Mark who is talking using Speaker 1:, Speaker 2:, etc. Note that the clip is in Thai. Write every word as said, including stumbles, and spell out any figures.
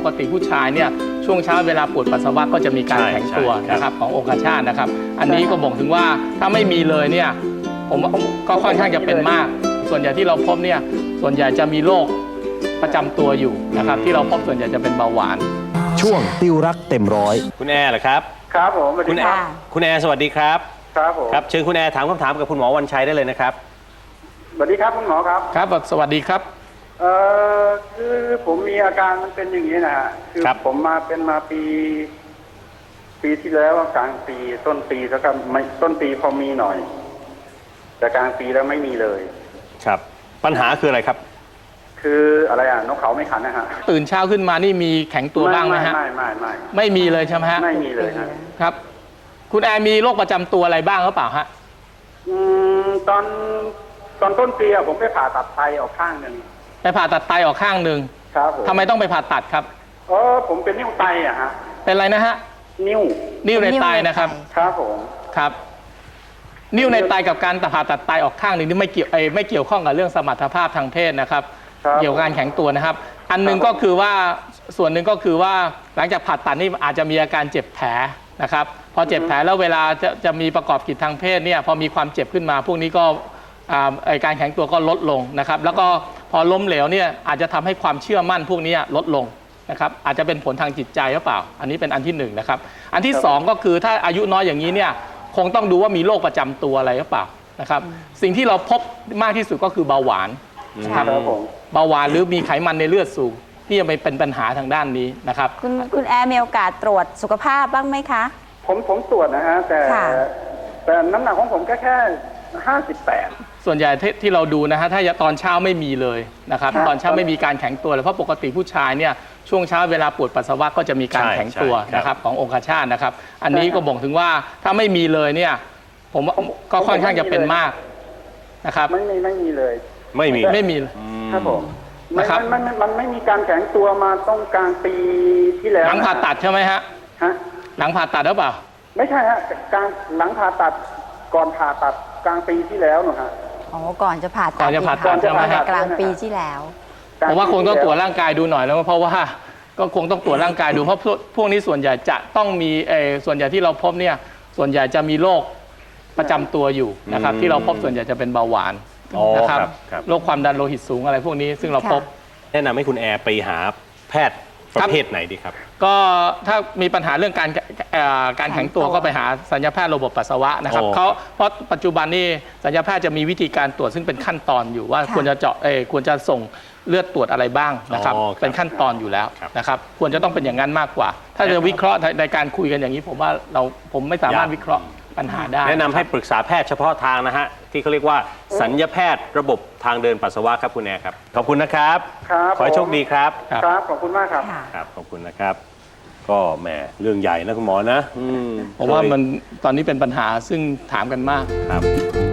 Speaker 1: กติผู้ชายเนี่ยช่วงเช้าเวลาปวดปัสสาวะก็จะมีการแข็งตัวนะครับขององคชาตนะครับอันนี้ก็บ่งถึงว่าถ้าไม่มีเลยเนี่ยผมก็ค่อนข้างจะเป็นมากส่วนใหญ่ที่เราพบเนี่ยส่วนใหญ่จะมีโรคประจำตัวอยู่นะครับที่เราพบส่วนใหญ่จะเป็นเบาหวาน
Speaker 2: ช่วงติวรักเต็มร้อย
Speaker 3: คุณแอร์เหรอครับ
Speaker 4: ครับผม
Speaker 3: คุณแอร์คุณแอร์สวัสดีครับ
Speaker 4: ครับผม
Speaker 3: ครับเชิญคุณแอร์ถามคำถามกับคุณหมอวันชัยได้เลยนะครับ
Speaker 4: สวัสดีครับคุณหมอครับ
Speaker 1: ครับสวัสดีครับ
Speaker 4: เอ่อคือผมมีอาการมันเป็นอย่างนี้นะฮะคือผมมาเป็นมาปีปีที่แล้วกลางปีต้นปีแล้วก็ไม่ต้นปีพอมีหน่อยแต่กลางปีแล้วไม่มีเลย
Speaker 3: ครับปัญหาคืออะไรครับ
Speaker 4: คืออะไรอ่ะนกเขาไม่ขันนะฮะ
Speaker 1: ตื่นเช้าขึ้นมานี่มีแข็งตัวบ้างไหมฮะ
Speaker 4: ไม่ไม่ไม่
Speaker 1: ไม่มีเลยใช่ไหมฮะ
Speaker 4: ไม่มีเลย
Speaker 1: ครับคุณแอร์มีโรคประจำตัวอะไรบ้างหรือเปล่าฮะ
Speaker 4: อืมตอนตอนต้นปีอะผมไปผ่าตัดไตออกข้างหนึ่ง
Speaker 1: ไปผ่าตัดไตออกข้างหนึ่ง
Speaker 4: ครับผม
Speaker 1: ทำไมต้องไปผ่าตัดครับ
Speaker 4: เออผมเป็นนิ้วไตอะฮะ
Speaker 1: เป็นอะไรนะฮะ
Speaker 4: นิ้ว
Speaker 1: นิ้วในไตนะครับ
Speaker 4: ครับผม
Speaker 1: ครับนิ้วในไตกับการผ่าตัดไตออกข้างหนึ่งนี่ไม่เกี่ยวไม่เกี่ยวข้องกับเรื่องสมรรถภาพทางเพศนะครับเกี่ยวกับการแข็งตัวนะครับอันนึงก็คือว่าส่วนหนึ่งก็คือว่าหลังจากผ่าตัดนี่อาจจะมีอาการเจ็บแผลนะครับพอเจ็บแผลแล้วเวลาจะจะมีประกอบกิจทางเพศเนี่ยพอมีความเจ็บขึ้นมาพวกนี้ก็การแข็งตัวก็ลดลงนะครับแล้วก็พอล้มเหลวเนี่ยอาจจะทำให้ความเชื่อมั่นพวกนี้ลดลงนะครับอาจจะเป็นผลทางจิตใจหรือเปล่าอันนี้เป็นอันที่หนึ่งนะครับอันที่สองก็คือถ้าอายุน้อยอย่างนี้เนี่ยคงต้องดูว่ามีโรคประจำตัวอะไรหรือเปล่านะครับสิ่งที่เราพบมากที่สุดก็คือเบาหวาน
Speaker 4: ครับ
Speaker 1: เบาหวานหรือมีไขมันในเลือดสูงที่จะไปเป็นปัญหาทางด้านนี้นะครับ
Speaker 5: คุณคุณแอร์มีโอกาสตรวจสุขภาพบ้างไหมคะ
Speaker 4: ผมผมตรวจนะฮะแต่แต่น้ำหนักของผมก็แค่ห้าสิบแปด
Speaker 1: ส่วนใหญ่ที่เราดูนะฮะถ้าตอนเช้าไม่มีเลยนะครับตอนเช้าไม่มีการแข็งตัวเลยเพราะปกติผู้ชายเนี่ยช่วงเช้าเวลาปวดปัสสาวะก็จะมีการแข็งตัวนะครับขององคชาตนะครับอันนี้ก็บ่งถึงว่าถ้าไม่มีเลยเนี่ยผมก็ค่อนข้างจะเป็นมากนะครับ
Speaker 4: ไม่ไม่ไม่มีเลย
Speaker 3: ไม่มี
Speaker 1: ไม่มี
Speaker 4: ครับผมนะครับมันมันไม่มีการแข็งตัวมาต้องกลางปีที่แล้ว
Speaker 1: หลังผ่าตัดใช่ไหมฮะ
Speaker 4: ฮะ
Speaker 1: หลังผ่าตัดหรือเปล่า
Speaker 4: ไม่ใช่ฮะกลางหลังผ่าตัดก่อนผ่าตัดกลางปีที่แล้วหนูฮะ
Speaker 5: อ๋อก่อนจะผ่าตัด
Speaker 1: ก่อนจะผ่าตัดใช่ไหมฮะ
Speaker 5: กลางปีที่แล้ว
Speaker 1: ผมว่าคงต้องตรวจร่างกายดูหน่อยแล้วเพราะว่าก็คงต้องตรวจร่างกายดูเพราะพวกนี้ส่วนใหญ่จะต้องมีเออส่วนใหญ่ที่เราพบเนี่ยส่วนใหญ่จะมีโรคประจำตัวอยู่นะครับที่เราพบส่วนใหญ่จะเป็นเบาหวานนะครับโรคความดันโลหิตสูงอะไรพวกนี้ซึ่งเราพบ
Speaker 3: แนะนำให้คุณแอร์ไปหาแพทย์ประเภทไหนดีครับ
Speaker 1: ก็ถ้ามีปัญหาเรื่องการการแข็งตัวก็ไปหาสัญญาแพทย์ระบบปัสสาวะนะครับเขาเพราะปัจจุบันนี้สัญญาแพทย์จะมีวิธีการตรวจซึ่งเป็นขั้นตอนอยู่ว่าควรจะเจาะเออควรจะส่งเลือดตรวจอะไรบ้างนะครับเป็นขั้นตอนอยู่แล้วนะครับควรจะต้องเป็นอย่างนั้นมากกว่าถ้าจะวิเคราะห์ในการคุยกันอย่างนี้ผมว่าเราผมไม่สามารถวิเคราะห์ปัญหาได้
Speaker 3: แนะนำให้ปรึกษาแพทย์เฉพาะทางนะฮะที่เขาเรียกว่าสัญญาแพทย์ระบบทางเดินปัสสาวะครับคุณแอร์ครับขอบคุณนะครับ
Speaker 4: ครับ
Speaker 3: ขอให้โชคดีครับ
Speaker 4: ครับขอบคุณมากครับ
Speaker 3: ครับขอบคุณนะครับก็แหมเรื่องใหญ่นะคุณหมอนะ
Speaker 1: ผมว่ามันตอนนี้เป็นปัญหาซึ่งถามกันมาก
Speaker 3: ครับ